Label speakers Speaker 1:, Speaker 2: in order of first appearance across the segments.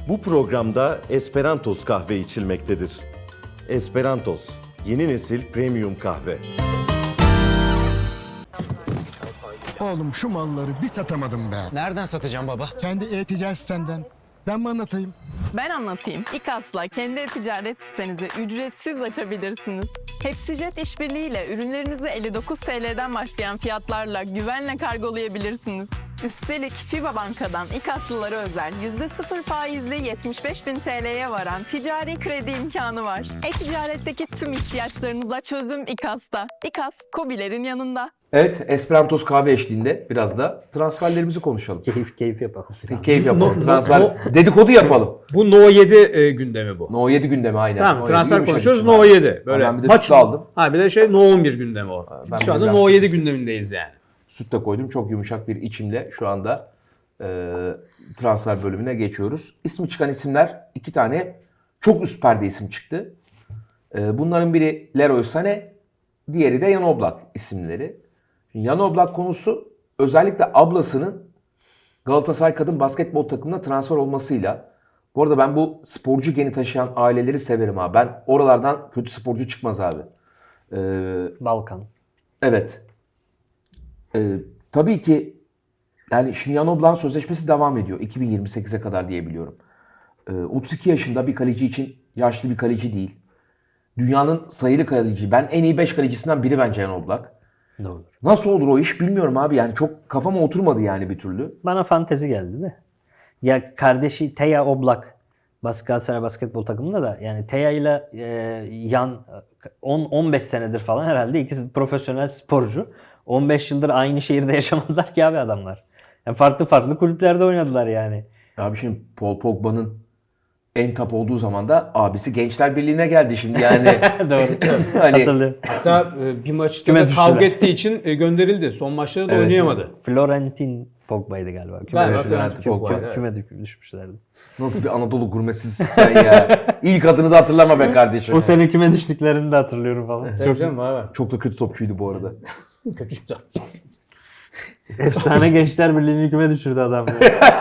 Speaker 1: Bu programda Esperantos kahve içilmektedir. Esperantos, yeni nesil premium kahve.
Speaker 2: Oğlum şu malları bir satamadım be.
Speaker 3: Nereden satacağım baba?
Speaker 2: Kendi e-ticaret sitenden. Ben mi anlatayım?
Speaker 4: Ben anlatayım. İKAS'la kendi e-ticaret sitenizi ücretsiz açabilirsiniz. Hepsijet işbirliğiyle ürünlerinizi 59 TL'den başlayan fiyatlarla güvenle kargolayabilirsiniz. Üstelik FIBA Banka'dan İKAS'lılara özel %0 faizli 75.000 TL'ye varan ticari kredi imkanı var. E-ticaretteki tüm ihtiyaçlarınıza çözüm İKAS'ta. İKAS, KOBİ'lerin yanında.
Speaker 5: Evet, Esperantos kahve eşliğinde biraz da transferlerimizi konuşalım.
Speaker 6: Keyif yapalım.
Speaker 5: Keyif yapalım. Transfer dedikodu yapalım.
Speaker 6: Bu No 7 gündemi bu.
Speaker 5: No 7 gündemi aynen.
Speaker 6: Tamam,
Speaker 5: No
Speaker 6: transfer
Speaker 5: 7
Speaker 6: konuşuyoruz.
Speaker 5: yumuşak
Speaker 6: No
Speaker 5: içim
Speaker 6: 7. Böyle
Speaker 5: Ben bir de süt aldım.
Speaker 6: Ha bir de No 11 gündemi o.
Speaker 5: Ben
Speaker 6: Şu anda
Speaker 5: biraz
Speaker 6: No 7
Speaker 5: süt-
Speaker 6: gündemindeyiz yani.
Speaker 5: Süt de koydum. Çok yumuşak bir içimle şu anda transfer bölümüne geçiyoruz. İsmi çıkan isimler 2 tane çok üst perde isim çıktı. Bunların biri Leroy Sané, diğeri de Jan Oblak isimleri. Şimdi Jan Oblak konusu özellikle ablasının Galatasaray kadın basketbol takımına transfer olmasıyla. Bu arada ben bu sporcu geni taşıyan aileleri severim abi. Ben oralardan kötü sporcu çıkmaz abi.
Speaker 6: Balkan.
Speaker 5: Evet. Tabii ki yani şimdi Jan Oblak'ın sözleşmesi devam ediyor. 2028'e kadar diye biliyorum. 32 yaşında bir kaleci için yaşlı bir kaleci değil. Dünyanın sayılı kaleci. Ben en iyi 5 kalecisinden biri bence Jan Oblak.
Speaker 6: Doğru.
Speaker 5: Nasıl olur o iş bilmiyorum abi. Yani çok kafama oturmadı yani bir türlü.
Speaker 7: Bana fantezi geldi de. Ya kardeşi Teja Oblak Galatasaray basketbol takımında da yani Teja ile Yan 10-15 senedir falan herhalde ikisi profesyonel sporcu. 15 yıldır aynı şehirde yaşamazlar ki abi adamlar. Yani farklı kulüplerde oynadılar yani.
Speaker 5: Abi şimdi Paul Pogba'nın en top olduğu zaman da abisi Gençler Birliği'ne geldi şimdi yani.
Speaker 7: Doğru.
Speaker 5: Hani
Speaker 7: Hatırlıyorum.
Speaker 6: Hatta bir maçta
Speaker 7: Küme
Speaker 6: da
Speaker 7: düştüler.
Speaker 6: kavga ettiği için gönderildi. Son maçları da
Speaker 5: Evet.
Speaker 6: oynayamadı.
Speaker 7: Florentin Pogba'ydı galiba.
Speaker 6: Galiba
Speaker 5: Evet,
Speaker 6: Florentin
Speaker 5: Pogba.
Speaker 6: Pogba, evet.
Speaker 7: Küme düşmüşlerdi.
Speaker 5: nasıl bir Anadolu gurmesisin sen ya. İlk adını da hatırlama be kardeşim.
Speaker 7: O sene küme düştüklerini de hatırlıyorum falan.
Speaker 6: Tabii canım, var.
Speaker 5: Çok da kötü topçuydu bu arada.
Speaker 6: Kötü işte.
Speaker 7: Efsane Gençler Birliği'ni küme düşürdü adam ya.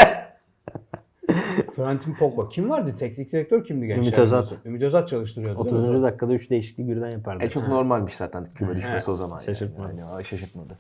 Speaker 6: Florentin Pogba. Kim vardı? Teknik direktör kimdi gençler?
Speaker 7: Ümit Özat.
Speaker 6: Ümit Özat çalıştırıyordu. değil mi?
Speaker 7: 30. dakikada 3 değişiklik birden yapardı.
Speaker 5: Çok normalmiş zaten küme düşmesi o zaman.
Speaker 7: Şaşırtmadı.
Speaker 5: Yani. Yani, şaşırtmadı.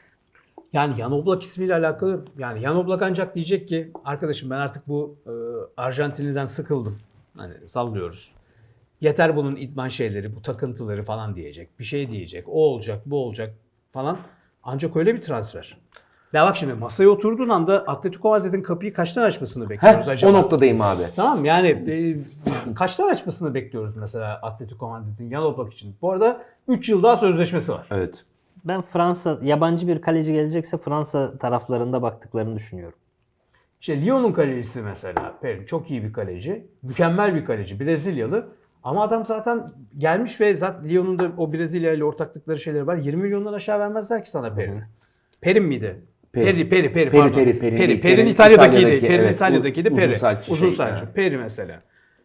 Speaker 6: Yani Jan Oblak ismiyle alakalı, yani Jan Oblak ancak diyecek ki arkadaşım ben artık bu Arjantinli'den sıkıldım. Hani sallıyoruz. Yeter bunun idman şeyleri, bu takıntıları falan diyecek. Bir şey diyecek. O olacak, bu olacak falan. Ancak öyle bir transfer. Ya bak şimdi masaya oturduğun anda Atletico Madrid'in kapıyı kaçtan açmasını bekliyoruz
Speaker 5: Heh,
Speaker 6: acaba?
Speaker 5: o noktadayım abi.
Speaker 6: Tamam yani kaçtan açmasını bekliyoruz mesela Atletico Madrid'in Jan Oblak için. Bu arada 3 yıl daha sözleşmesi var.
Speaker 5: Evet.
Speaker 7: Ben yabancı bir kaleci gelecekse Fransa taraflarında baktıklarını düşünüyorum.
Speaker 6: İşte Lyon'un kalecisi mesela. Perin çok iyi bir kaleci. Mükemmel bir kaleci. Brezilyalı. Ama adam zaten gelmiş ve zaten Lyon'un da o Brezilya ile ortaklıkları şeyleri var. 20 milyondan aşağı vermezler ki sana Perin. Perin miydi? Peri pardon. Perin İtalya'dakiydi. Perin
Speaker 5: evet.
Speaker 6: İtalya'dakiydi.
Speaker 5: Uzun
Speaker 6: Peri.
Speaker 5: saçlı
Speaker 6: Uzun
Speaker 5: şey,
Speaker 6: saçlı.
Speaker 5: evet.
Speaker 6: Peri mesela.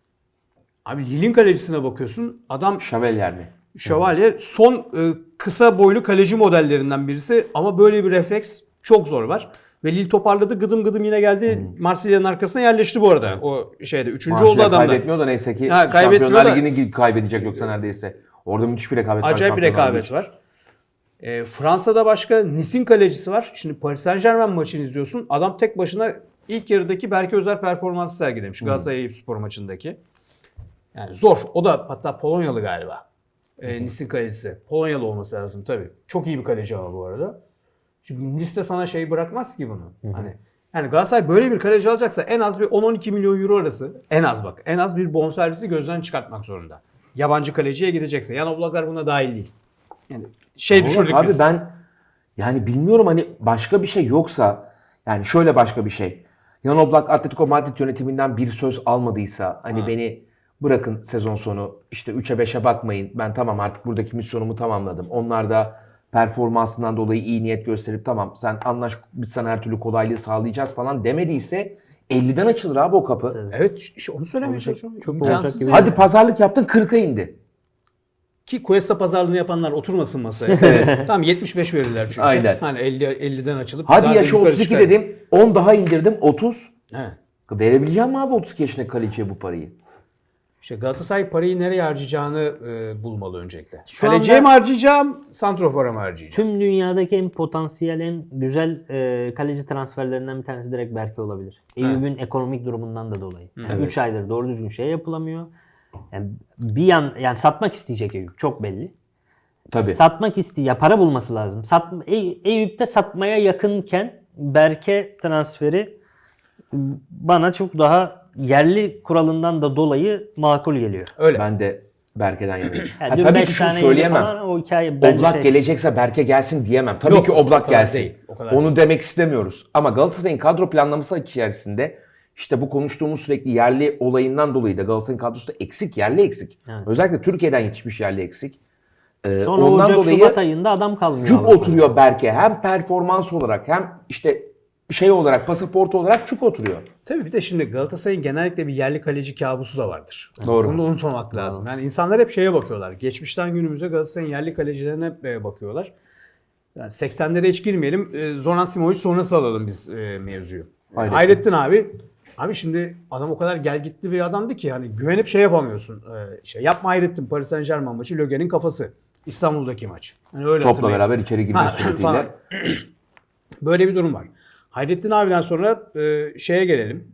Speaker 6: Abi Lille'in kalecisine bakıyorsun. Adam
Speaker 5: Şavelyer mi?
Speaker 6: Şövalye son kısa boylu kaleci modellerinden birisi ama böyle bir refleks çok zor var. Ve Lille toparladı, gıdım gıdım yine geldi. Marsilya'nın arkasına yerleşti bu arada. O şeyde 3. oldu
Speaker 5: Marsilya
Speaker 6: adamlar.
Speaker 5: kaybetmiyor da neyse ki
Speaker 6: Ha, kaybetmiyor
Speaker 5: Şampiyonlar
Speaker 6: da-
Speaker 5: Ligi'ni kaybedecek yoksa neredeyse. Orada müthiş bir rekabet var.
Speaker 6: Acayip bir
Speaker 5: Şampiyonlar
Speaker 6: rekabet
Speaker 5: Ligi.
Speaker 6: var. Fransa'da başka Nice'in kalecisi var. Şimdi Paris Saint-Germain maçını izliyorsun. Adam tek başına ilk yarıdaki Berke Özer performansı sergilemiş. Galatasaray Eyüpspor maçındaki. Yani zor. O da hatta Polonyalı galiba. Nice'in kalecisi. Polonyalı olması lazım tabii. Çok iyi bir kaleci ama bu arada. Şimdi Nice de sana şey bırakmaz ki bunu. Hani yani Galatasaray böyle bir kaleci alacaksa en az bir 10-12 milyon euro arası, en az bak, en az bir bonservisi gözden çıkartmak zorunda. Yabancı kaleciye gidecekse. Jan Oblaklar buna dahil değil. Yani
Speaker 5: Ama
Speaker 6: düşürdük
Speaker 5: abi
Speaker 6: biz.
Speaker 5: ben yani bilmiyorum hani başka bir şey yoksa yani şöyle başka bir şey. Jan Oblak Atletico Madrid yönetiminden bir söz almadıysa hani beni bırakın sezon sonu işte 3'e 5'e bakmayın. Ben tamam artık buradaki misyonumu tamamladım. Onlar da performansından dolayı iyi niyet gösterip tamam sen anlaş biz sana her türlü kolaylığı sağlayacağız falan demediyse 50'den açılır abi o kapı.
Speaker 6: Evet işte onu söylemeye çalışıyorum.
Speaker 7: çok
Speaker 6: İmkansız.
Speaker 7: olacak gibi
Speaker 5: Hadi pazarlık yaptın 40'a indi.
Speaker 6: Ki Cuesta pazarlığını yapanlar oturmasın masaya. Tamam 75 verirler çünkü.
Speaker 5: Aynen.
Speaker 6: Hani 50'den açılıp
Speaker 5: Hadi
Speaker 6: daha
Speaker 5: yaşı
Speaker 6: yukarı
Speaker 5: 32
Speaker 6: çıkar.
Speaker 5: dedim 10 daha indirdim 30.
Speaker 6: He.
Speaker 5: Verebileceğim mi abi 32 yaşındaki kaleciye bu parayı?
Speaker 6: İşte Galatasaray parayı nereye harcayacağını bulmalı öncelikle.
Speaker 7: Şu
Speaker 6: Kaleciye
Speaker 7: anda-
Speaker 6: mi harcayacağım, santrofora mı harcayacağım?
Speaker 7: Tüm dünyadaki en potansiyel, en güzel kaleci transferlerinden bir tanesi direkt Berke olabilir. Eyüp'ün ekonomik durumundan da dolayı. Yani 3 aydır doğru düzgün şey yapılamıyor. Yani yani satmak isteyecek Eyüp, çok belli.
Speaker 5: Tabii.
Speaker 7: Satmak ya para bulması lazım. Eyüp'te satmaya yakınken Berke transferi bana çok daha yerli kuralından da dolayı makul geliyor.
Speaker 6: Öyle.
Speaker 5: Ben de Berke'den yanayım.
Speaker 7: Yani dün
Speaker 5: Tabii
Speaker 7: 5
Speaker 5: ki şunu
Speaker 7: tane yedi
Speaker 5: söyleyemem.
Speaker 7: falan, o hikaye bence
Speaker 5: Oblak gelecekse Berke gelsin diyemem. Tabii
Speaker 6: Yok,
Speaker 5: ki
Speaker 6: o
Speaker 5: Oblak
Speaker 6: kadar
Speaker 5: gelsin.
Speaker 6: değil, o kadar
Speaker 5: Onu demek istemiyoruz. Ama Galatasaray'ın kadro planlaması içerisinde işte bu konuştuğumuz sürekli yerli olayından dolayı da Galatasaray'ın kadrosu da eksik, yerli eksik.
Speaker 7: Evet.
Speaker 5: Özellikle Türkiye'den yetişmiş yerli eksik.
Speaker 7: Sonra Ocak, Şubat ayında adam kalmıyor.
Speaker 5: cuk
Speaker 7: Avrupa'da.
Speaker 5: oturuyor Berke. Hem performans olarak hem işte şey olarak, pasaport olarak cuk oturuyor.
Speaker 6: Tabii bir de şimdi Galatasaray'ın genellikle bir yerli kaleci kabusu da vardır.
Speaker 5: Doğru.
Speaker 6: Bunu da unutmamak lazım. Yani insanlar hep şeye bakıyorlar. Geçmişten günümüze Galatasaray'ın yerli kalecilerine hep bakıyorlar. Yani 80'lere hiç girmeyelim. Zoran Simovic sonrası alalım biz mevzuyu.
Speaker 5: Hayrettin.
Speaker 6: Hayrettin abi şimdi adam o kadar gelgitli bir adamdı ki hani güvenip şey yapamıyorsun. Yapma Hayrettin, Paris Saint-Germain maçı Lögen'in kafası. İstanbul'daki maç. Yani öyle
Speaker 5: Topla
Speaker 6: hatırlayın.
Speaker 5: beraber içeri girmek
Speaker 6: Ha,
Speaker 5: suretiyle.
Speaker 6: falan. Böyle bir durum var. Hayrettin abiden sonra şeye gelelim.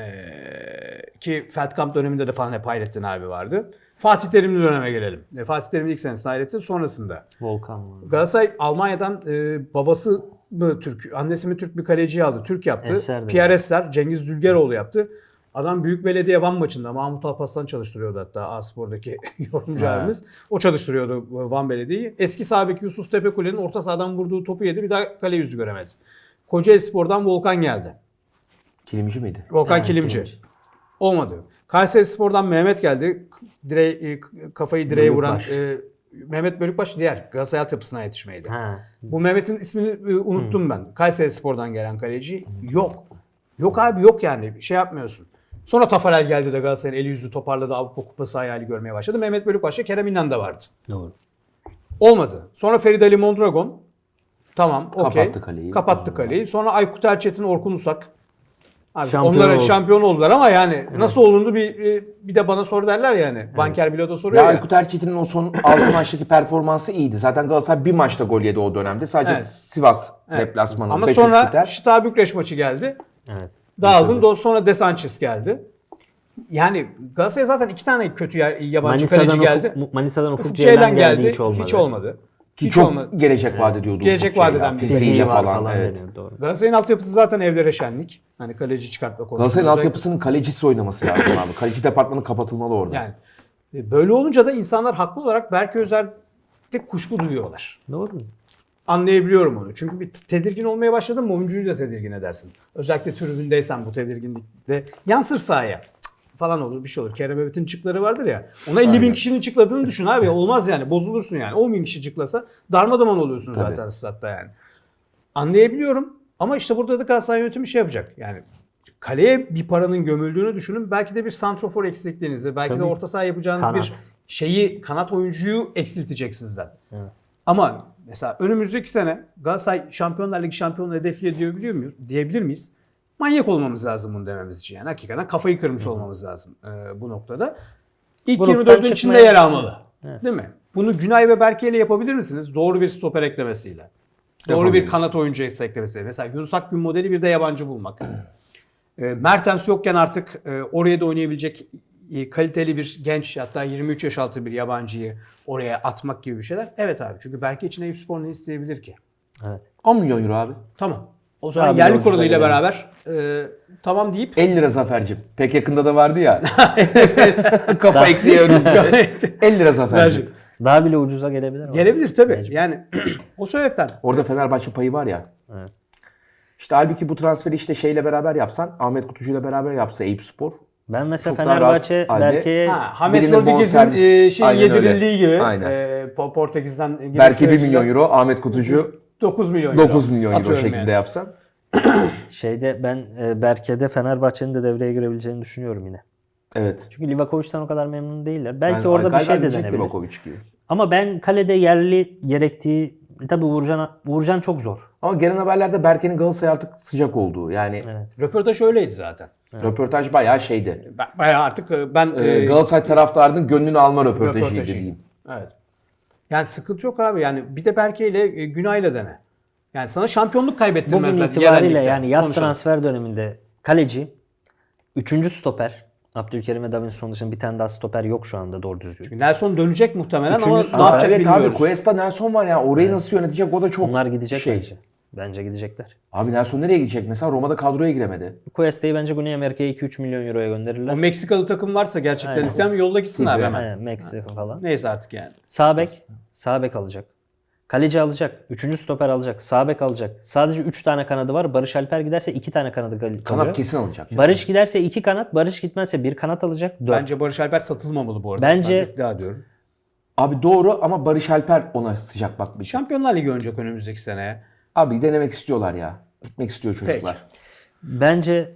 Speaker 6: Ki Feldkamp döneminde de falan hep Hayrettin abi vardı. Fatih Terimli döneme gelelim. Fatih Terim'in ilk senesi Hayrettin, sonrasında.
Speaker 7: Volkan var.
Speaker 6: Galatasaray Almanya'dan babası mı Türk, annesi mi Türk bir kaleciyi aldı. Türk yaptı.
Speaker 7: Eser de
Speaker 6: Pierre Esser, Cengiz Dülgeroğlu yaptı. Adam Büyük Belediye Van maçında Mahmut Alparslan çalıştırıyordu hatta A-Spor'daki yorumcu abimiz. O çalıştırıyordu Van Belediye'yi. Eski sağ beki Yusuf Tepekule'nin orta sahadan vurduğu topu yedi. Bir daha kale yüzü göremedi. Kocaelispor'dan Volkan geldi.
Speaker 5: Kilimci miydi?
Speaker 6: Volkan
Speaker 7: Evet,
Speaker 6: Kilimci.
Speaker 7: Kilimci.
Speaker 6: Olmadı. Kayserispor'dan Mehmet geldi. Kafayı direğe vuran
Speaker 7: Bölükbaş.
Speaker 6: Mehmet Bölükbaş diğer Galatasaray altyapısına yetişmeydi.
Speaker 7: Ha.
Speaker 6: Bu Mehmet'in ismini unuttum ben. Kayserispor'dan gelen kaleci. Yok. Yok abi, yok yani. Şey yapmıyorsun. Sonra Tafarel geldi de Galatasaray'ın eli yüzü toparladı. Avrupa Kupası hayali görmeye başladı. Mehmet Bölükbaş'ta Kerem İnan da vardı.
Speaker 7: Doğru.
Speaker 6: Olmadı. Sonra Ferit Ali Mondragon. Tamam, okey.
Speaker 5: Kapattı kaleyi.
Speaker 6: Kapattı kaleyi. Sonra Aykut Erçetin, Orkun Usak. Abi
Speaker 7: Şampiyon
Speaker 6: onlara
Speaker 7: oldu.
Speaker 6: şampiyon oldular ama yani nasıl olundu bir de bana sor derler yani. Banker Bilo da soruyor
Speaker 5: Ya
Speaker 6: ya.
Speaker 5: Aykut Erçetin'in o son 6 maçtaki performansı iyiydi. Zaten Galatasaray bir maçta gol yedi o dönemde. Sadece
Speaker 6: Evet.
Speaker 5: Sivas
Speaker 6: Evet.
Speaker 5: deplasmanı.
Speaker 6: Ama
Speaker 5: 5-3
Speaker 6: sonra
Speaker 5: biter.
Speaker 6: Şita Bükreş maçı geldi.
Speaker 7: Evet.
Speaker 6: Dağıldın. Sonra De Sanchez geldi. Yani Galatasaray'a zaten 2 tane kötü yabancı kaleci geldi.
Speaker 7: Manisa'dan
Speaker 6: Ufuk
Speaker 7: Ufuk
Speaker 6: Ceylan
Speaker 7: Ceylan
Speaker 6: geldi.
Speaker 7: Hiç olmadı.
Speaker 5: Ki
Speaker 6: Hiç
Speaker 5: çok
Speaker 6: olmadı.
Speaker 5: gelecek vaat ediyordu.
Speaker 6: Gelecek
Speaker 5: Ufuk Ceylan.
Speaker 6: vadeden bir
Speaker 5: Fiziğiyle
Speaker 7: Fiziği var
Speaker 5: falan.
Speaker 7: falan
Speaker 5: Evet.
Speaker 7: deniyor, doğru.
Speaker 6: Galatasaray'ın altyapısı zaten evlere şenlik. Hani kaleci çıkartma konusunda.
Speaker 5: Galatasaray'ın
Speaker 6: özellikle-
Speaker 5: altyapısının kalecisi oynaması lazım abi. Kaleci departmanı kapatılmalı orada.
Speaker 6: Yani böyle olunca da insanlar haklı olarak Berke Özer'de kuşku duyuyorlar.
Speaker 7: Doğru.
Speaker 6: Anlayabiliyorum onu. Çünkü bir tedirgin olmaya başladın mı oyuncuyu da tedirgin edersin. Özellikle tribündeysen bu tedirginlikte yansır sahaya. Cık falan olur, bir şey olur. Kerem Övet'in çıkları vardır ya. Ona 50 bin kişinin çıkladığını düşün abi. Olmaz yani. Bozulursun yani. 10 bin kişi çıklasa darmadağın oluyorsun
Speaker 5: Tabii.
Speaker 6: zaten statta yani. Anlayabiliyorum. Ama işte burada da Galatasaray yönetimi şey yapacak. Yani kaleye bir paranın gömüldüğünü düşünün. Belki de bir santrofor eksikliğinizi, belki de
Speaker 7: Tabii.
Speaker 6: orta saha yapacağınız
Speaker 7: Kanat.
Speaker 6: bir kanat oyuncuyu eksiltecek sizden.
Speaker 7: Evet.
Speaker 6: Ama mesela önümüzdeki sene Galatasaray Şampiyonlar Ligi şampiyonluğu hedefliyor diyebilir miyiz? Manyak olmamız lazım bunu dememiz için. Yani hakikaten kafayı kırmış olmamız lazım bu noktada. İlk
Speaker 7: Gruptan
Speaker 6: 24'ün içinde
Speaker 7: çıkmaya-
Speaker 6: yer almalı.
Speaker 7: Evet.
Speaker 6: Değil mi? Bunu Günay ve Berke ile yapabilir misiniz? Doğru bir stoper eklemesiyle. Doğru bir
Speaker 5: Yapabiliriz.
Speaker 6: kanat oyuncu eklemesiyle. Mesela Yunus Akgün modeli bir de yabancı bulmak. Mertens yokken artık oraya da oynayabilecek kaliteli bir genç, hatta 23 yaş altı bir yabancıyı oraya atmak gibi bir şeyler. Evet abi, çünkü Berke için Eyüpspor ne isteyebilir ki?
Speaker 7: Evet.
Speaker 5: 10 milyon euro abi.
Speaker 6: Tamam. O zaman
Speaker 7: Abi
Speaker 6: yerli
Speaker 7: ucuza
Speaker 6: kuruluyla
Speaker 7: gelelim.
Speaker 6: beraber tamam deyip
Speaker 5: 50 lira Zafer'cim. Pek yakında da vardı ya. Kafa ekliyoruz. 50 lira Zafer'cim.
Speaker 7: Daha bile ucuza gelebilir ama.
Speaker 6: gelebilir tabii.
Speaker 7: Mecbur.
Speaker 6: Yani o sebepten.
Speaker 5: Orada Fenerbahçe payı var ya.
Speaker 7: Evet.
Speaker 5: İşte halbuki bu transferi işte şeyle beraber yapsan, Ahmet Kutucu'yla beraber yapsa Eyüpspor.
Speaker 7: Ben mesela
Speaker 5: Çok daha
Speaker 7: Fenerbahçe
Speaker 5: rahat halde.
Speaker 7: Berke'ye
Speaker 6: James
Speaker 5: Birinin
Speaker 6: Rodriguez'in
Speaker 5: bonservis- Aynen öyle.
Speaker 6: yedirildiği gibi
Speaker 5: Aynen.
Speaker 6: Portekiz'den giriş
Speaker 5: Belki 1
Speaker 6: sürecinde
Speaker 5: milyon euro, Ahmet Kutucu
Speaker 6: 9 milyon euro.
Speaker 5: 9 milyon euro
Speaker 6: Atıyorum
Speaker 5: şeklinde
Speaker 6: yani.
Speaker 5: yapsan.
Speaker 7: ben Berke'de Fenerbahçe'nin de devreye girebileceğini düşünüyorum yine.
Speaker 5: Evet.
Speaker 7: Çünkü Livakovic'ten o kadar memnun değiller. Belki orada bir
Speaker 5: galiba
Speaker 7: şey de
Speaker 5: gidecek
Speaker 7: denebilir.
Speaker 5: Livakovic gibi.
Speaker 7: Ama ben kalede yerli gerektiği tabii Uğurcan çok zor.
Speaker 5: Ama gelen haberlerde Berke'nin Galatasaray artık sıcak olduğu. Yani
Speaker 6: Röportaj öyleydi zaten.
Speaker 5: röportaj bayağı şeydi.
Speaker 6: Bayağı artık ben
Speaker 5: Galatasaray taraftarının gönlünü alma röportajıydı diyeyim.
Speaker 6: Evet. Yani sıkıntı yok abi. Yani bir de Berke ile Günay'la dene. Yani sana şampiyonluk
Speaker 7: Bugün
Speaker 6: kaybettirmezler.
Speaker 7: itibariyle
Speaker 6: yerel ligde.
Speaker 7: yani yaz
Speaker 6: Konuşalım.
Speaker 7: transfer döneminde kaleci, 3. stoper, Abdülkerim ve Davinson dışında bir tane daha stoper yok şu anda doğru düzgün.
Speaker 6: Nelson dönecek muhtemelen ama
Speaker 5: Üçüncüsü-
Speaker 6: ne yapacak
Speaker 5: evet
Speaker 6: bilmiyoruz.
Speaker 5: abi Cuesta Nelson var ya. Orayı nasıl yönetecek o da çok
Speaker 7: Onlar gidecek
Speaker 5: şey.
Speaker 7: bence. Bence gidecekler.
Speaker 5: Abi Nelson nereye gidecek? Mesela Roma'da kadroya giremedi.
Speaker 7: Cuesta'yı bence Güney Amerika'ya 2-3 milyon euroya gönderirler.
Speaker 6: O Meksikalı takım varsa gerçekten
Speaker 7: Aynen.
Speaker 6: isteyen yolla gitsin abi hemen.
Speaker 7: Aynen, Meksika falan.
Speaker 6: Neyse artık yani.
Speaker 7: Sağ bek alacak. Kaleci alacak. 3. stoper alacak. Sağ bek alacak. Sadece 3 tane kanadı var. Barış Alper giderse 2 tane kanadı kalıyor.
Speaker 5: Kanat kesin alacak.
Speaker 7: Barış giderse 2 kanat. Barış gitmezse 1 kanat alacak. 4.
Speaker 6: Bence Barış Alper satılmamalı bu arada.
Speaker 7: Bence-
Speaker 6: Ben iddia ediyorum.
Speaker 5: Abi doğru ama Barış Alper ona sıcak bakmayacak.
Speaker 6: Şampiyonlar Ligi oynayacak önümüzdeki seneye.
Speaker 5: Abi denemek istiyorlar ya. Gitmek istiyor çocuklar.
Speaker 7: Bence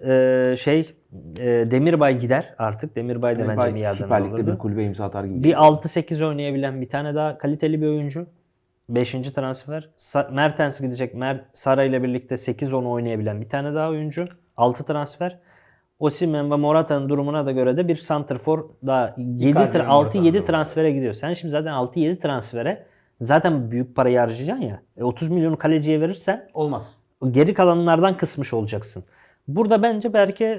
Speaker 7: Demirbay gider artık. Demirbay da bence bir yerden
Speaker 5: Süper Lig'de
Speaker 7: olurdu.
Speaker 5: bir kulübe imza atar gibi.
Speaker 7: Bir 6-8 oynayabilen bir tane daha kaliteli bir oyuncu. 5. transfer. Mertens gidecek. Sara ile birlikte 8-10 oynayabilen bir tane daha oyuncu. 6 transfer. Osimhen ve Morata'nın durumuna da göre de bir santrfor daha
Speaker 6: Icardi ve
Speaker 7: 6-7
Speaker 6: Morata'nın
Speaker 7: transfere gidiyor. Sen şimdi zaten 6-7 transfere zaten büyük parayı harcayacaksın ya. 30 milyonu kaleciye verirsen
Speaker 6: Olmaz.
Speaker 7: geri kalanlardan kısmış olacaksın. Burada bence belki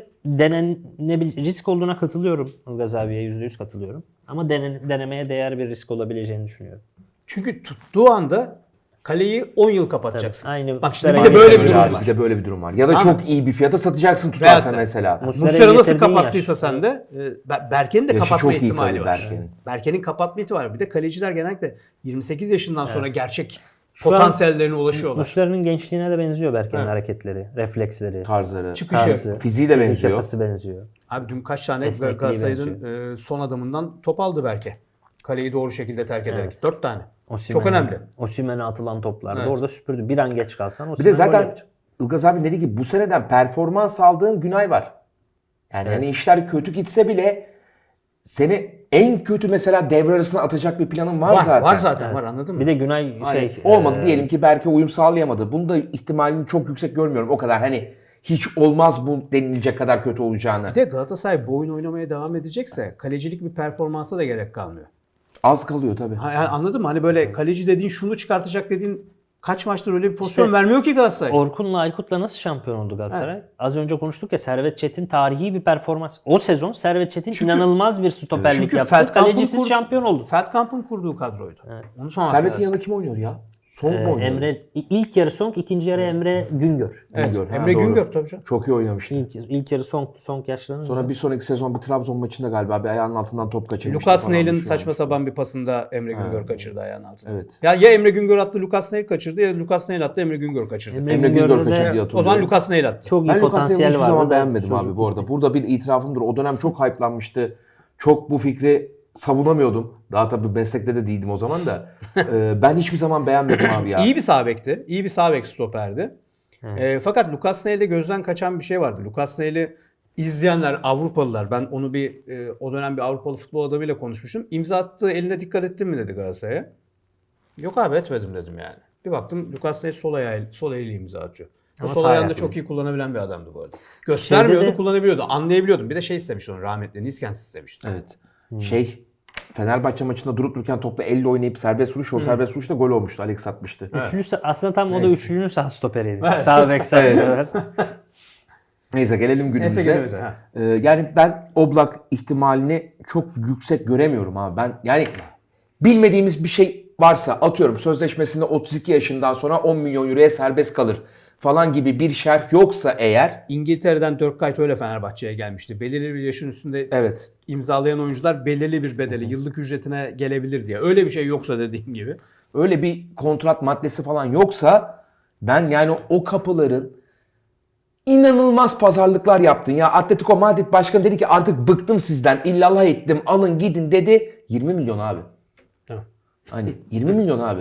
Speaker 7: risk olduğuna katılıyorum. Ilgaz abiye %100 katılıyorum. Ama denemeye değer bir risk olabileceğini düşünüyorum.
Speaker 6: Çünkü tuttuğu anda kaleyi 10 yıl kapatacaksın.
Speaker 7: Aynı
Speaker 6: Bak şimdi bir
Speaker 7: Muslera
Speaker 6: de böyle
Speaker 7: gibi
Speaker 6: bir
Speaker 5: Öyle
Speaker 6: durum
Speaker 5: abi,
Speaker 6: var.
Speaker 5: bir de böyle bir durum var. Ya da
Speaker 6: Anladım.
Speaker 5: çok iyi bir fiyata satacaksın tutarsan
Speaker 6: Veyahut da-
Speaker 5: mesela.
Speaker 6: Muslera nasıl
Speaker 7: getirdiğin
Speaker 6: kapattıysa
Speaker 7: yaş.
Speaker 6: sen de Berke'nin de
Speaker 5: Yaşı
Speaker 6: kapatma
Speaker 5: çok iyi
Speaker 6: ihtimali
Speaker 5: tabii
Speaker 6: var.
Speaker 5: Berke'nin.
Speaker 6: Berke'nin kapatma ihtimali var. Bir de kaleciler genellikle 28 yaşından sonra gerçek
Speaker 7: Şu an
Speaker 6: potansiyellerine ulaşıyorlar.
Speaker 7: Muslera'nın gençliğine de benziyor Berke'nin
Speaker 6: Evet.
Speaker 7: hareketleri, refleksleri,
Speaker 5: Tarzları.
Speaker 6: Çıkışı.
Speaker 7: tarzı,
Speaker 5: Fiziği de
Speaker 7: fizik
Speaker 5: benziyor.
Speaker 7: yapısı benziyor.
Speaker 6: Abi dün kaç tane
Speaker 7: Esnekliği
Speaker 6: Galatasaray'ın son adamından top aldı Berke. Kaleyi doğru şekilde terk ederek. 4 tane. Çok
Speaker 7: Osimhen'e-
Speaker 6: önemli.
Speaker 7: Osimhen'e atılan toplarda
Speaker 6: Evet.
Speaker 7: orada süpürdü. Bir an geç kalsan
Speaker 5: Bir
Speaker 7: Osimhen
Speaker 5: de
Speaker 7: gol
Speaker 5: zaten
Speaker 7: yapacak.
Speaker 5: Ilgaz abi dedi ki bu seneden performans aldığın Günay var. Yani hani işler kötü gitse bile seni en kötü mesela devre arasına atacak bir planın var zaten.
Speaker 6: Var zaten var anladın mı?
Speaker 7: Bir de Günay
Speaker 5: Hani olmadı diyelim ki belki uyum sağlayamadı. Bunu da ihtimalini çok yüksek görmüyorum. O kadar hani hiç olmaz bu denilecek kadar kötü olacağını.
Speaker 6: Bir de Galatasaray bu oyun oynamaya devam edecekse kalecilik bir performansa da gerek kalmıyor.
Speaker 5: Az kalıyor tabii.
Speaker 6: Yani anladın mı? Hani böyle kaleci dediğin şunu çıkartacak dediğin kaç maçtır öyle bir pozisyon vermiyor ki Galatasaray.
Speaker 7: Orkun'la Aykut'la nasıl şampiyon oldu Galatasaray? Az önce konuştuk ya, Servet Çetin tarihi bir performans. O sezon Servet Çetin inanılmaz bir stoperlik
Speaker 6: Çünkü
Speaker 7: yaptı.
Speaker 6: Feldkamp'ın
Speaker 7: Kalecisiz şampiyon oldu.
Speaker 6: Feldkamp'ın kurduğu kadroydu. Onu sormak
Speaker 5: Servet'in
Speaker 6: lazım.
Speaker 5: yanında kim oynuyor ya? Son mu oynuyor?
Speaker 7: Emre ilk yarı Song, ikinci yarı Emre Güngör.
Speaker 6: Evet,
Speaker 5: Güngör, ha,
Speaker 6: Emre
Speaker 5: doğru.
Speaker 6: Güngör tabii canım.
Speaker 5: Çok iyi oynamıştı.
Speaker 7: İlk yarı Song yaşlanınca.
Speaker 5: Sonra bir sonraki sezon bir Trabzon maçında galiba bir ayağının altından top kaçırmıştı.
Speaker 6: Lucas
Speaker 5: falan,
Speaker 6: Neil'in
Speaker 5: bir şey
Speaker 6: saçma
Speaker 5: olmuştu.
Speaker 6: sapan bir pasında Emre Güngör kaçırdı ayağının altına.
Speaker 5: Evet.
Speaker 6: Ya Emre Güngör attı, Lucas Neil kaçırdı ya Lucas Neil attı, Emre Güngör kaçırdı.
Speaker 5: Emre
Speaker 7: Güngör'de
Speaker 5: Güngör
Speaker 7: de
Speaker 5: kaçırdı diye
Speaker 6: O zaman
Speaker 5: hatırlıyorum.
Speaker 6: Lucas Neil attı.
Speaker 7: çok iyi
Speaker 5: Ben Lucas Neil'i
Speaker 7: potansiyel
Speaker 5: hiçbir
Speaker 7: vardı.
Speaker 5: zaman
Speaker 7: da
Speaker 5: beğenmedim
Speaker 7: çocuk
Speaker 5: abi bu arada. Burada bir itirafımdır. O dönem çok hype'lanmıştı. Çok bu fikri savunamıyordum. Daha tabii meslekte de değildim o zaman da. Ben hiçbir zaman beğenmedim abi ya.
Speaker 6: İyi bir sağ bekti. İyi bir sağ bek stoperdi. Fakat Lucas Neil'de gözden kaçan bir şey vardı. Lucas Neil'i izleyenler, Avrupalılar, ben onu o dönem bir Avrupalı futbol adamıyla konuşmuştum. İmza attığı eline dikkat ettin mi dedi Galatasaray'a. Yok abi etmedim dedim yani. Bir baktım Lucas Neil sol eliyle imza atıyor. O
Speaker 7: Ama
Speaker 6: sol
Speaker 7: sağ
Speaker 6: ayağını da
Speaker 7: ayaklı.
Speaker 6: çok iyi kullanabilen bir adamdı bu arada. Göstermiyordu,
Speaker 7: Şeyde de-
Speaker 6: kullanabiliyordu. Anlayabiliyordum. Bir de şey istemişti onu rahmetli. Niskens istemişti.
Speaker 5: Evet. Fenerbahçe maçında durup dururken topla elle oynayıp serbest vuruş. O serbest vuruş da gol olmuştu. Alex atmıştı.
Speaker 7: Aslında tam o da üçüncü sağ stoperiydi. Sağ bek, sağ stoper.
Speaker 5: Neyse gelelim
Speaker 6: Neyse
Speaker 5: günümüze.
Speaker 6: gelimize. Ha.
Speaker 5: Yani ben Oblak ihtimalini çok yüksek göremiyorum abi. Ben yani bilmediğimiz bir şey varsa atıyorum sözleşmesinde 32 yaşından sonra 10 milyon euroya serbest kalır falan gibi bir şerh yoksa eğer
Speaker 6: İngiltere'den Dirk Kuyt öyle Fenerbahçe'ye gelmişti. Belirli bir yaşın üstünde
Speaker 5: evet
Speaker 6: imzalayan oyuncular belirli bir bedeli, yıllık ücretine gelebilir diye. Öyle bir şey yoksa dediğim gibi.
Speaker 5: öyle bir kontrat maddesi falan yoksa ben yani o kapıların inanılmaz pazarlıklar yaptın ya. Atletico Madrid başkanı dedi ki artık bıktım sizden, illallah ettim, alın gidin dedi. 20 milyon abi.
Speaker 6: Tamam.
Speaker 5: Hani 20 milyon abi.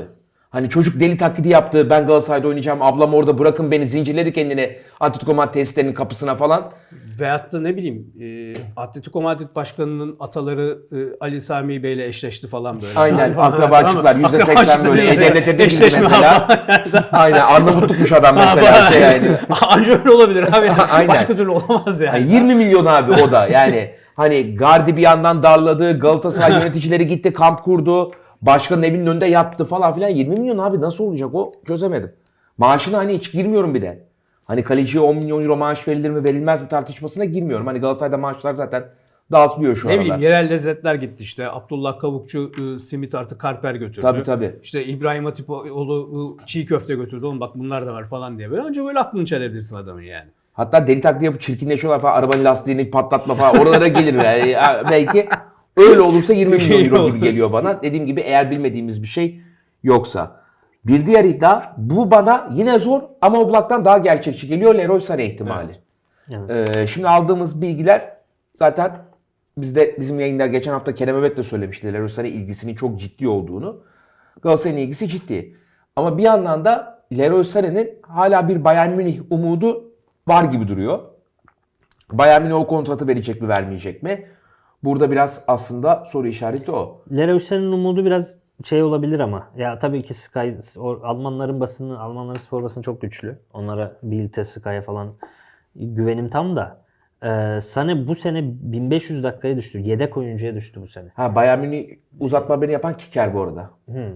Speaker 5: Hani çocuk deli taklidi yaptı. Ben Galatasaray'da oynayacağım. Ablam orada, bırakın beni, zincirledi kendini Atletico Madrid tesislerinin kapısına falan.
Speaker 6: Veyahut da ne bileyim Atletico Madrid başkanının ataları Ali Sami Bey'le eşleşti falan böyle.
Speaker 5: Aynen,
Speaker 6: Falan.
Speaker 5: akrabacıklar %80 böyle devlete bir
Speaker 6: eşleşme
Speaker 5: mesela. Aynen, Arnavutlukmuş adam mesela şey yani.
Speaker 6: Anca öyle olabilir abi.
Speaker 5: Aynen.
Speaker 6: Başka türlü olamaz yani.
Speaker 5: Yani 20 milyon abi o da. Yani hani Gardi bir yandan darladı. Galatasaray yöneticileri gitti, kamp kurdu. Başkanın evinin önünde yattı falan filan. 20 milyon abi nasıl olacak o? Çözemedim. Maaşına hani hiç girmiyorum bir de. Hani kaleciye 10 milyon euro maaş verilir mi verilmez mi tartışmasına girmiyorum. Hani Galatasaray'da maaşlar zaten dağıtılıyor şu
Speaker 6: Ne
Speaker 5: anda.
Speaker 6: bileyim yerel lezzetler gitti işte. Abdullah Kavukçu simit artı karper götürdü.
Speaker 5: Tabii.
Speaker 6: İşte İbrahim Hatipoğlu çiğ köfte götürdü. Oğlum bak bunlar da var falan diye. Böyle böyle aklını çelebilirsin adamın yani.
Speaker 5: Hatta deli taklidi yapıp çirkinleşiyorlar falan. Arabanın lastiğini patlatma falan. Oralara gelir yani. Belki öyle olursa 20 milyon euro gibi geliyor bana. Dediğim gibi eğer bilmediğimiz bir şey yoksa. Bir diğer iddia, bu bana yine zor ama Oblak'tan daha gerçekçi geliyor, Leroy Sané ihtimali.
Speaker 7: Evet.
Speaker 5: Şimdi aldığımız bilgiler zaten bizim yayında geçen hafta Kerem Mehmet de söylemişti Leroy Sané ilgisinin çok ciddi olduğunu. Galatasaray'ın ilgisi ciddi. Ama bir yandan da Leroy Sané'nin hala bir Bayern Münih umudu var gibi duruyor. Bayern Münih o kontratı verecek mi vermeyecek mi? Burada biraz aslında soru işareti o.
Speaker 7: Leroy Sané'nin umudu biraz şey olabilir ama. Ya tabii ki Sky, Almanların basını, Almanların spor basını çok güçlü. Onlara Bild'e, Sky'a falan güvenim tam da. Sané bu sene 1500 dakikaya düştü. Yedek oyuncuya düştü bu sene.
Speaker 5: Bayern Münih uzatma beni yapan Kicker bu arada.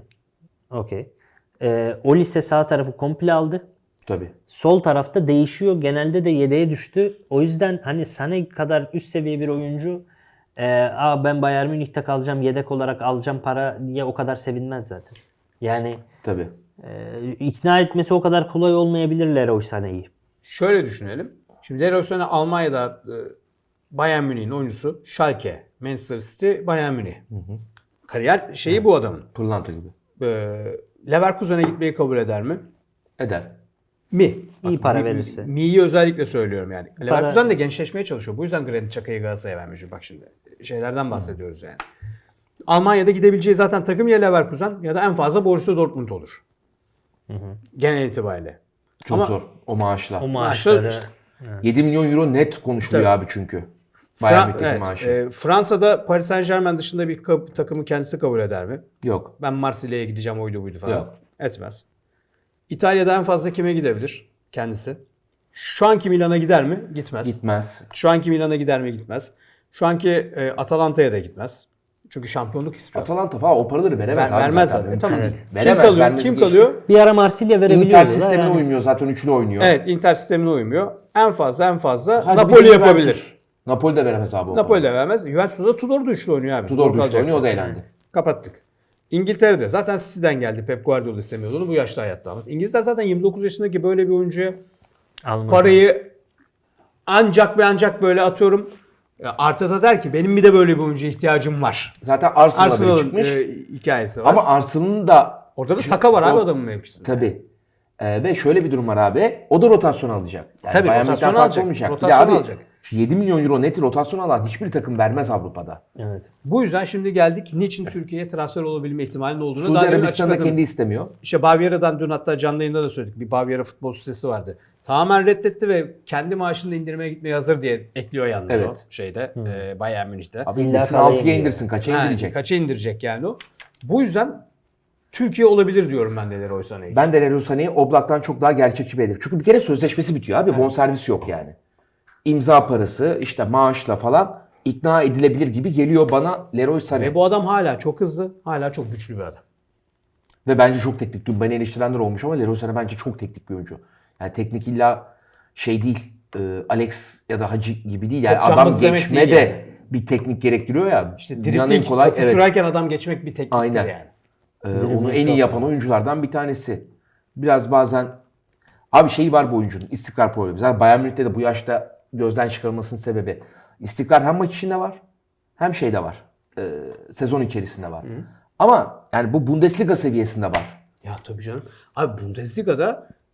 Speaker 7: Okey. Olise sağ tarafı komple aldı.
Speaker 5: Tabii.
Speaker 7: Sol tarafta değişiyor. Genelde de yedeğe düştü. O yüzden hani Sané kadar üst seviye bir oyuncu ben Bayern Münih'te kalacağım, yedek olarak alacağım para diye o kadar sevinmez zaten. Yani
Speaker 5: Tabii.
Speaker 7: ikna etmesi o kadar kolay olmayabilir Leroy Sané'yi.
Speaker 6: Şöyle düşünelim. Şimdi Leroy Sané Almanya'da Bayern Münih'in oyuncusu. Schalke, Manchester City, Bayern Münih. Kariyer şeyi bu adamın.
Speaker 5: Pırlanta gibi.
Speaker 6: Leverkusen'e gitmeyi kabul eder mi?
Speaker 5: Eder.
Speaker 6: Mi?
Speaker 7: İyi para verirse.
Speaker 6: Mi'yi özellikle söylüyorum yani. Leverkusen de gençleşmeye çalışıyor. Bu yüzden Granit Xhaka'yı Galatasaray'a vermiş. Bak şimdi şeylerden bahsediyoruz yani. Almanya'da gidebileceği zaten takım ya Leverkusen ya da en fazla Borussia Dortmund olur. Genel itibariyle.
Speaker 5: Çok
Speaker 6: Ama-
Speaker 5: zor o maaşla.
Speaker 7: O maaşları
Speaker 6: işte-
Speaker 5: 7 milyon euro net konuşuluyor
Speaker 6: Tabii.
Speaker 5: abi çünkü. Bayern Münih'teki
Speaker 6: Evet,
Speaker 5: maaşı.
Speaker 6: Fransa'da Paris Saint-Germain dışında bir takımı kendisi kabul eder mi?
Speaker 5: Yok.
Speaker 6: Ben Marsilya'ya gideceğim oydu buydu falan.
Speaker 5: Yok.
Speaker 6: Etmez. İtalya'da en fazla kime gidebilir kendisi? Şu anki Milan'a gider mi? Gitmez.
Speaker 5: Gitmez.
Speaker 6: Şu anki Milan'a gider mi? Gitmez. Şu anki Atalanta'ya da gitmez. Çünkü şampiyonluk istiyor.
Speaker 5: Atalanta falan o paraları veremez abi
Speaker 6: Vermez
Speaker 5: zaten.
Speaker 6: zaten.
Speaker 5: Mümkün
Speaker 6: Tamam.
Speaker 5: değil.
Speaker 6: Kim
Speaker 5: Veremez,
Speaker 6: kalıyor?
Speaker 5: vermesi
Speaker 6: Kim
Speaker 5: geçti.
Speaker 6: kalıyor?
Speaker 7: bir ara Marsilya verebiliyordu.
Speaker 5: Inter
Speaker 7: da
Speaker 5: sistemine
Speaker 7: yani.
Speaker 5: uymuyor zaten, üçlü oynuyor.
Speaker 6: Evet, Inter sistemine uymuyor. En fazla
Speaker 5: Hadi
Speaker 6: Napoli
Speaker 5: bir
Speaker 6: yapabilir.
Speaker 5: Juventus. Napoli de veremez abi o
Speaker 6: Napoli de vermez. Juventus'ta da Tudor da üçlü oynuyor abi.
Speaker 5: Tudor da üçlü
Speaker 6: kalacaksın.
Speaker 5: oynuyor, o da eğlendi.
Speaker 6: Kapattık. İngiltere'de zaten City'den geldi. Pep Guardiola istemiyordu onu. Bu yaşta hayatta almaz. İngilizler zaten 29 yaşındaki böyle bir oyuncuya
Speaker 7: Almaz.
Speaker 6: parayı ancak ve ancak böyle atıyorum. Arteta der ki benim bir de böyle bir oyuncuya ihtiyacım var.
Speaker 5: Zaten Arsenal'a biri
Speaker 6: Arsenal'ın
Speaker 5: çıkmış.
Speaker 6: hikayesi var.
Speaker 5: Ama Arsenal'ın da
Speaker 6: orada da Saka var abi
Speaker 5: o-
Speaker 6: adamın mevkisinde.
Speaker 5: tabii. Ve şöyle bir durum var abi. O da rotasyon alacak. Yani
Speaker 6: Tabii,
Speaker 5: Bayern
Speaker 6: rotasyon
Speaker 5: Münih'ten farklı
Speaker 6: alacak.
Speaker 5: olmayacak. Bir de
Speaker 6: Rotasyon
Speaker 5: abi,
Speaker 6: alacak.
Speaker 5: şu 7 milyon euro net rotasyon alan hiçbir takım vermez Avrupa'da.
Speaker 7: Evet.
Speaker 6: Bu yüzden şimdi geldik niçin Türkiye'ye transfer olabilme ihtimalinin olduğunu
Speaker 5: Suudi
Speaker 6: daha demin
Speaker 5: Arabistan'da
Speaker 6: açıkladım.
Speaker 5: kendi istemiyor.
Speaker 6: İşte Bavyera'dan dün hatta canlı yayında da söyledik. Bir Bavyera futbol sitesi vardı. Tamamen reddetti ve kendi maaşını da indirmeye gitmeye hazır diye ekliyor yalnız
Speaker 5: Evet.
Speaker 6: o şeyde Bayern Münih'te.
Speaker 5: Abi
Speaker 7: İlla
Speaker 5: indirsin,
Speaker 7: paraya
Speaker 5: 6'ya
Speaker 7: indiriyor.
Speaker 5: indirsin. Kaça
Speaker 6: Ha,
Speaker 5: indirecek?
Speaker 6: kaça indirecek yani o. Bu yüzden Türkiye olabilir diyorum ben de Leroy Sané için.
Speaker 5: Ben de Leroy Sané'yi Oblak'tan çok daha gerçekçi bir hedef. Çünkü bir kere sözleşmesi bitiyor abi. Bonservis yok yani. İmza parası, işte maaşla falan ikna edilebilir gibi geliyor bana Leroy Sané.
Speaker 6: Ve bu adam hala çok hızlı, hala çok güçlü bir adam.
Speaker 5: Ve bence çok teknik. Dün beni eleştirenler olmuş ama Leroy Sané bence çok teknik bir oyuncu. Yani teknik illa şey değil, Alex ya da Hacı gibi değil. Yani
Speaker 6: Çok
Speaker 5: adam
Speaker 6: cambaz demek
Speaker 5: geçme
Speaker 6: değil
Speaker 5: de
Speaker 6: yani.
Speaker 5: bir teknik gerektiriyor ya.
Speaker 6: İşte
Speaker 5: Dünyanın
Speaker 6: dribling, topu
Speaker 5: evet.
Speaker 6: sürerken adam geçmek bir tekniktir
Speaker 5: Aynen.
Speaker 6: yani.
Speaker 5: Onu en iyi yapan oyunculardan bir tanesi. Biraz bazen abi şey var bu oyuncunun, istikrar problemi. Zaten Bayern Münih'te de bu yaşta gözden çıkarılmasının sebebi istikrar hem maç içinde var hem şeyde var. Sezon içerisinde var. Ama yani bu Bundesliga seviyesinde var.
Speaker 6: Ya tabii canım. Abi Bundesliga'da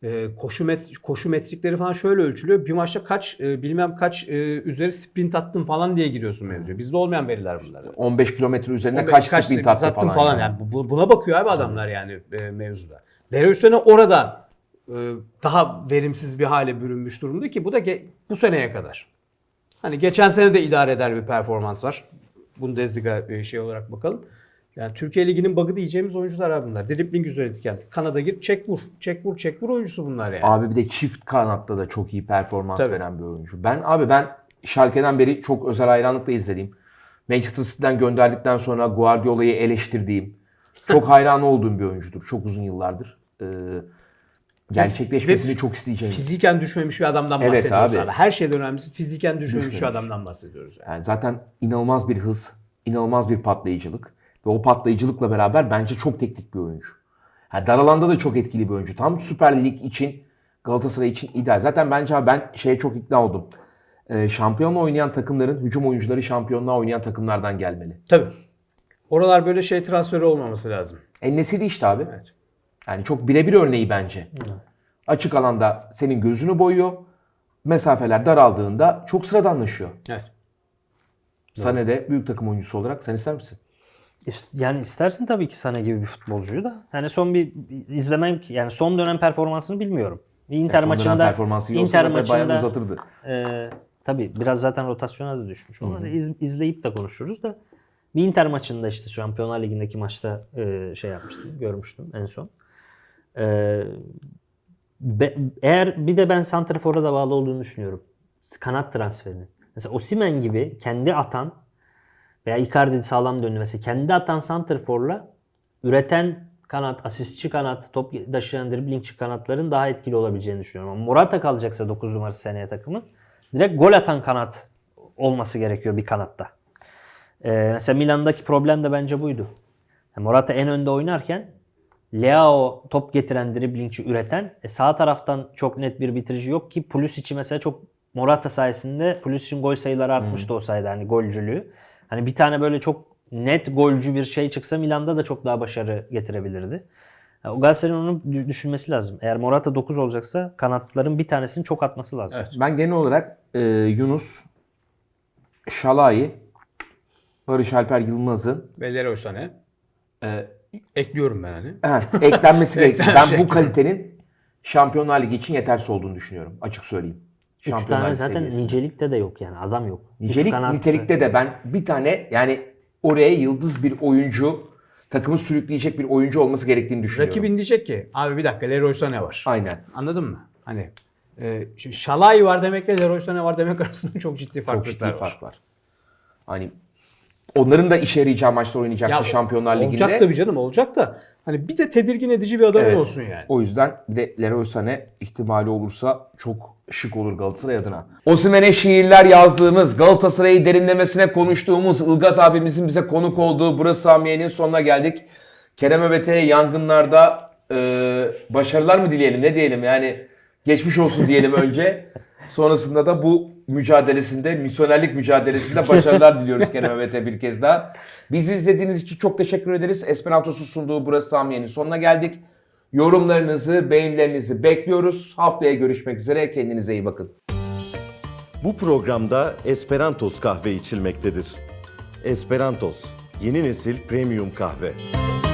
Speaker 6: koşu metrikleri falan şöyle ölçülüyor. Bir maçta kaç bilmem kaç üzeri sprint attın falan diye giriyorsun mevzuya. Bizde olmayan veriler bunlar.
Speaker 5: 15 kilometre üzerine kaç sprint attın falan.
Speaker 6: Yani. Buna bakıyor abi adamlar yani mevzuda. Leroy Sané orada daha verimsiz bir hale bürünmüş durumda ki bu da bu seneye kadar. Hani geçen sene de idare eder bir performans var. Bundesliga şey olarak bakalım. Yani Türkiye Ligi'nin bug'ı diyeceğimiz oyuncular abi bunlar. Dribbling üzerindeki Kanada gir, çek vur. Çek vur, çek vur oyuncusu bunlar yani.
Speaker 5: Abi bir de çift kanatta da çok iyi performans
Speaker 6: Tabii.
Speaker 5: veren bir oyuncu. Ben Schalke'den beri çok özel hayranlıkla izlediğim, Manchester City'den gönderdikten sonra Guardiola'yı eleştirdiğim, çok hayran olduğum bir oyuncudur. Çok uzun yıllardır. Gerçekleşmesini çok isteyeceğim.
Speaker 6: Fiziken düşmemiş bir adamdan
Speaker 5: Evet
Speaker 6: bahsediyoruz
Speaker 5: abi.
Speaker 6: abi. Her şeyden önemlisi fiziken düşmemiş bir
Speaker 5: Düşmemiş.
Speaker 6: adamdan bahsediyoruz. Yani.
Speaker 5: Yani zaten inanılmaz bir hız, inanılmaz bir patlayıcılık. Ve o patlayıcılıkla beraber bence çok teknik bir oyuncu. Yani dar alanda da çok etkili bir oyuncu. Tam Süper Lig için, Galatasaray için ideal. Zaten bence abi ben şeye çok ikna oldum. Şampiyonla oynayan takımların, hücum oyuncuları şampiyonluğa oynayan takımlardan gelmeli.
Speaker 6: Tabii. Oralar böyle şey transferi olmaması lazım.
Speaker 5: En-Nesyri işte abi.
Speaker 6: Evet.
Speaker 5: Yani çok birebir örneği bence. Açık alanda senin gözünü boyuyor. Mesafeler daraldığında çok sıradanlaşıyor.
Speaker 6: Evet.
Speaker 5: Sané de büyük takım oyuncusu olarak sen ister misin?
Speaker 7: Yani istersin tabii ki Sané gibi bir futbolcuyu da. Yani son bir izlemem, yani son dönem performansını bilmiyorum. Bir Inter
Speaker 5: Son dönem
Speaker 7: maçında
Speaker 5: performansı iyi olsa zaten bayağı uzatırdı.
Speaker 7: Tabii biraz zaten rotasyona da düşmüş. Onları izleyip de konuşuruz da. Bir Inter maçında işte Şampiyonlar Ligi'ndeki maçta şey yapmıştım, görmüştüm en son. Eğer bir de ben santrafor'a da bağlı olduğunu düşünüyorum. Kanat transferinin. Mesela Osimhen gibi kendi atan veya Icardi sağlam döndü mesela kendi atan santraforla üreten kanat, asistçi kanat, top taşıyan driblingçi kanatların daha etkili olabileceğini düşünüyorum. Ama Morata kalacaksa 9 numarası seneye takımın direkt gol atan kanat olması gerekiyor bir kanatta. Mesela Milan'daki problem de bence buydu. Morata en önde oynarken Leao top getiren, driblingçi üreten, sağ taraftan çok net bir bitirici yok ki Pulisic'i mesela çok Morata sayesinde Pulisic'in gol sayıları artmıştı o sayede hani golcülüğü. Hani bir tane böyle çok net golcü bir şey çıksa Milan'da da çok daha başarı getirebilirdi. O Galatasaray'ın onu düşünmesi lazım. Eğer Morata 9 olacaksa kanatların bir tanesini çok atması lazım.
Speaker 6: Evet.
Speaker 5: Ben genel olarak Yunus, Şalai, Barış Alper Yılmaz'ın
Speaker 6: Ve Leroy Sané. Ekliyorum ben hani.
Speaker 5: eklenmesi gerekiyor. Ben
Speaker 6: şey
Speaker 5: bu kalitenin Şampiyonlar Ligi için yetersiz olduğunu düşünüyorum. Açık söyleyeyim.
Speaker 7: 3
Speaker 5: Şampiyonlar
Speaker 7: tane
Speaker 5: Ligi
Speaker 7: zaten
Speaker 5: seviyesinde.
Speaker 7: nicelikte de yok yani adam yok.
Speaker 5: Nicelik,
Speaker 7: Üç kanat-
Speaker 5: nitelikte de ben bir tane yani oraya yıldız bir oyuncu, takımı sürükleyecek bir oyuncu olması gerektiğini düşünüyorum.
Speaker 6: Rakibin diyecek ki abi bir dakika Leroy Sané var.
Speaker 5: Aynen.
Speaker 6: Anladın mı? Hani şimdi Şalai var demekle Leroy Sané var demek arasında çok ciddi
Speaker 5: Çok
Speaker 6: farklılıklar
Speaker 5: ciddi
Speaker 6: var.
Speaker 5: fark var. Hani onların da işe yarayacağı maçlar oynayacaksa Şampiyonlar Ligi'nde.
Speaker 6: Olacak tabii canım olacak da hani bir de tedirgin edici bir adam
Speaker 5: Evet.
Speaker 6: olsun yani.
Speaker 5: O yüzden bir de Leroy Sané ihtimali olursa çok şık olur Galatasaray adına. Osimhen'e şiirler yazdığımız, Galatasaray'ı derinlemesine konuştuğumuz Ilgaz abimizin bize konuk olduğu Burası Samiye'nin sonuna geldik. Kerem Övete'ye yangınlarda başarılar mı dileyelim, ne diyelim yani geçmiş olsun diyelim önce. Sonrasında da bu mücadelesinde, misyonerlik mücadelesinde başarılar diliyoruz Kerem Övete'ye bir kez daha. Bizi izlediğiniz için çok teşekkür ederiz. Esperantosu sunduğu Burası Samiye'nin sonuna geldik. Yorumlarınızı, beğenilerinizi bekliyoruz. Haftaya görüşmek üzere. Kendinize iyi bakın.
Speaker 1: Bu programda Esperantos kahve içilmektedir. Esperantos, yeni nesil premium kahve.